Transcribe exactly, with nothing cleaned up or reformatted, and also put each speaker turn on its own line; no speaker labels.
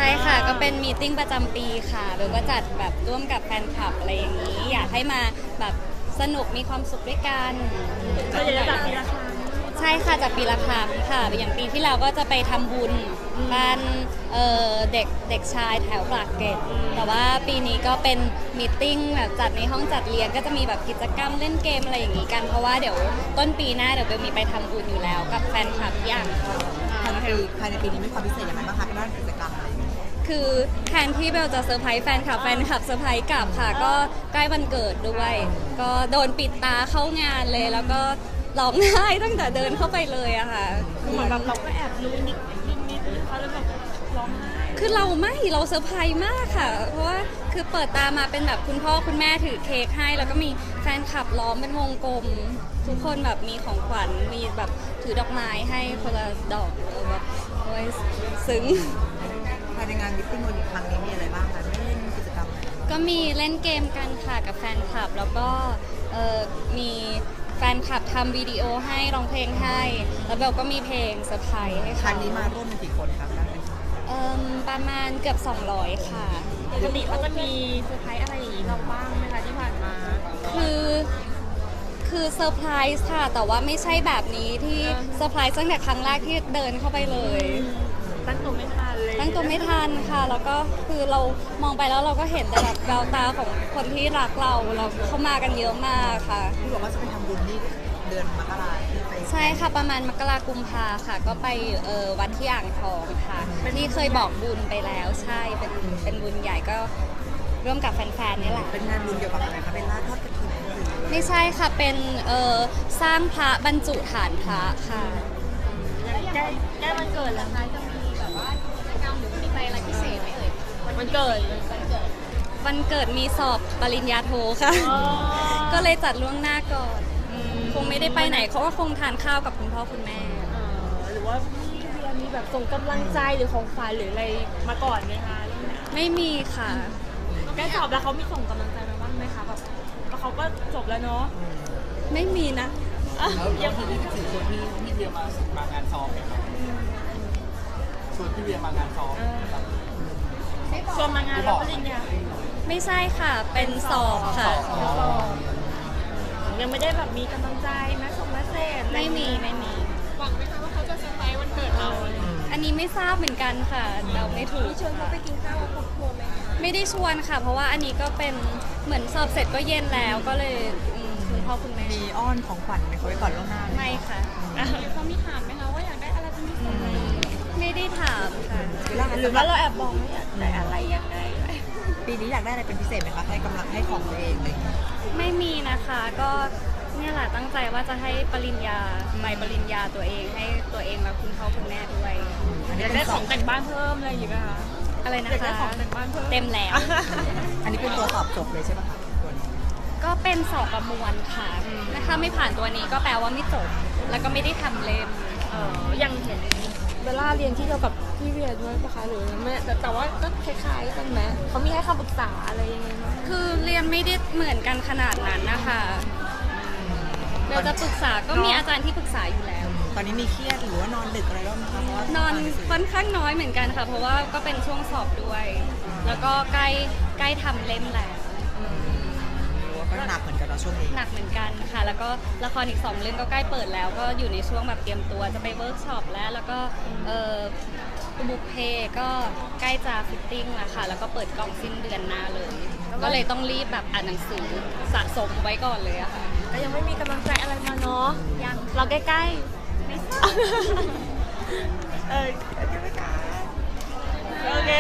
ช่ค่ะก็เป็นมีตติ้งประจำปีค่ะเบลก็จัดแบบร่วมกับแฟนคลับอะไรอย่างนี้อยากให้มาแบบสนุกมีความสุขด้วยกัน
ก็จะจัดปีละครั้ง
ใช่ค่ะจัดปีละครั้งค่ะอย่างปีที่แล้วก็จะไปทำบุญบ้านเอ่อเด็กเด็กชายแถวปากเกร็ดแต่ว่าปีนี้ก็เป็นมีตติ้งแบบจัดในห้องจัดเรียนก็จะมีแบบกิจกรรมเล่นเกมอะไรอย่างนี้กันเพราะว่าเดี๋ยวต้นปีหน้าเดี๋ยวเบลมีไปทำบุญอยู่แล้วกับแฟนคลับที่อ่างทอง
ภายในปีภายในปีนี้มีความพิเศษอย่างไรบ้างคะด้านกิจกรรมอะไรอย่างเงี้ย
คือแทนที่เบลจะเซอร์ไพรส์แฟนคลับแฟนคลับเซอร์ไพรส์กลับค่ะก็ใกล้วันเกิดด้วย ก็โดนปิดตาเข้างานเลยแล้วก็ร้องไห้ตั้งแต่เดินเข้าไปเลยอะค่ะ
เหมือนแบบเราก็แอบรู้นิดนิดนิดเขาเลยแบบร้องไห้
คือเราไม่เราเซอร์ไพรส์มากค่ะเพราะว่าคือเปิดตามาเป็นแบบคุณพ่อคุณแม่ถือเค้กให้แล้วก็มีแฟนคลับล้อมเป็นวงกลมทุกคนแบบมีของขวัญมีแบบถือดอกไม้ให้คนละดอกแบบโอ้ยซึ้ง
ภายในงานมิตติ้งวันนี้ครั้งนี้มีอะไรบ้างคะได้เล่นกิจกรรมอะไร
ก็มีเล่นเกมกันค่ะกับแฟนคลับแล้วก็เออมีแฟนคลับทำวิดีโอให้ร้องเพลงให้แล้วเบลก็มีเพลงเซอร์ไพรส์ให้
ครั้
เขา
งนี้มาร่วมเป็นกี่คนครับได้ไหม
เอ่อประมาณเกือบสองร้อยค่ะ
ปกติเขาจะมีเซอร์ไพรส์อะไรอย่างนี้เราบ้างไหมคะที่ผ่านมา
คือคือเซอร์ไพรส์ค่ะแต่ว่าไม่ใช่แบบนี้ที่เซอร์ไพรส์ตั้งแต่ครั้งแรกที่เดินเข้าไปเลย
ตั้งตัวไม่ทันเลย
ตั้งตัวไม่ทันค่ะแล้วก็คือเรามองไปแล้วเราก็เห็นแต่แบบแววตาของคนที่รักเราเราเข้ามากันเยอะมากค่ะ
ที่บอกว่าจะไปทำบุญนี่เดือนมกราที่ไป
ใช่ค่ะประมาณมกรากุมภาค่ะก็ไปเอ่อวัดที่อ่างทองค่ะที่เคยบอกบุญไปแล้วใช่เป็นเป็นบุญใหญ่ก็ร่วมกับแฟนๆนี่แหละ
เป็นงานบุญเกี่ยวกับอะไรคะเป็นล่าทอดกระถิ่นหรือ
ไม่ใช่ค่ะเป็นเอ่อสร้างพระบรรจุฐานพระค่ะ
ใกล้ใกล้วันเกิดแล้วนะจะมีแบบว่ากิจกรรมหรือมีอะไรพิเศษไหมเอ่ยวันเกิดวันเกิด
วันเกิดมีสอบปริญญาโทค่ะก็เลยจัดล่วงหน้าก่อนคงไม่ได้ไปไหนเขาก็คงทานข้าวกับคุณพ่อคุณแม่
หรือว่าพี่เรียนมีแบบส่งกำลังใจหรือของขวัญหรืออะไรมาก่อนไหมคะ
ไม่มีค่ะ
แกสอบแล้วเขามีส่งกำลังใจมาบ้างไหมคะแบบเขาก็จบแล้วเนาะ
ไม่มีนะ
แล้วยังที่ที่สี่ชวนพี่พี่เวียมามางานซ้อมไหมครับชวนพี่เวียมางานซ้อม
ชวนมางานรับปริญญา
ไม่ใช่ค่ะเป็นสอบค่ะ
ยังไม่ได้แบบมีกำลังใจนะส่งเมสเซจ
ไม่มีไม่มี
หวังไหมคะว่าเขาจะเซอร์ไพรส์วันเกิดเรา
อันนี้ไม่ทราบเหมือนกันค่ะเราไม่ถูก
ชวนเขาไปกินข้าวกับครอบครัวไหม
ไม่ได้ชวนค่ะเพราะว่าอันนี้ก็เป็นเหมือนสอบเสร็จก็เย็นแล้วก็เลยคุณพ่อคุณแม่
มีอ้อนของขวัญไหมเขาไว้ก่อนล่วงหน้า
ไม่ค่ะ
เขามีถามไหมคะว่าอยากได้อะไรเป็นพิเศษไหม
ไม่ได้ถามค่ะ
หรือว่าเราแอบบอกไม่อยากได้อะไรยังไง
ปีนี้อยากได้อะไรเป็นพิเศษไหมคะให้กำลังให้ของตัวเองเลย
ไม่มีนะคะก็เนี่ยแหละตั้งใจว่าจะให้ปริญญาใบปริญญาตัวเองให้ตัวเองและคุณพ่อคุณแม่ด้วย
อยากได้ของแต่งบ้านเพิ่มอะไรอย่างเงี้ยคะ
อะไรนะคะอยากได้
ของแต่งบ้านเพิ่ม
เต็มแล้ว
อันนี้เป็นตัวสอบจบเลยใช่ไหมคะตัวนี้
ก็เป็นสอบประมวลค่ะถ้าไม่ผ่านตัวนี้ก็แปลว่าไม่จบแล้วก็ไม่ได้ทำเล่ม
ยังเห็นเบลล่าเรียนที่เดียวกับพี่เวียด้วยปะคะหรือไม่แต่แต่ว่าก็คล้ายๆกันไหมเขามีให้คำปรึกษาอะไรยังไงบ้าง
คือเรียนไม่ได้เหมือนกันขนาดนั้นนะคะเราจะปรึกษาก็มีอาจารย์ที่ปรึกษาอยู่แล้ว
ตอนนี้มีเครียดหรือว่านอนดึกอะไรบ้างไหมคะ
นอนค่อนข้างน้อยเหมือนกันค่ะเพราะว่าก็เป็นช่วงสอบด้วยแล้วก็ใกล้ใกล้ทำเล่มแล้ว
ก็หนักเหมือนกันเราช่วงนี้
หนักเหมือนกันค่ะแล้วก็ละครอีกสองเรื่องก็ใกล้เปิดแล้วก็อยู่ในช่วงแบบเตรียมตัวจะไปเวิร์กช็อปแล้วแล้วก็เอ่อบุกเพก็ใกล้จะฟิตติ้งแล้วค่ะแล้วก็เปิดกล้องสิ้นเดือนหน้าเลยก็เลยต้องรีบแบบอ่านหนังสือสะสมไว้ก่อนเลยอะค่ะ
ก็ยังไม่มีกำลังใจอะไรมาเนาะ
ยัง
เราใกล้ๆไม่ทราบเออโอเค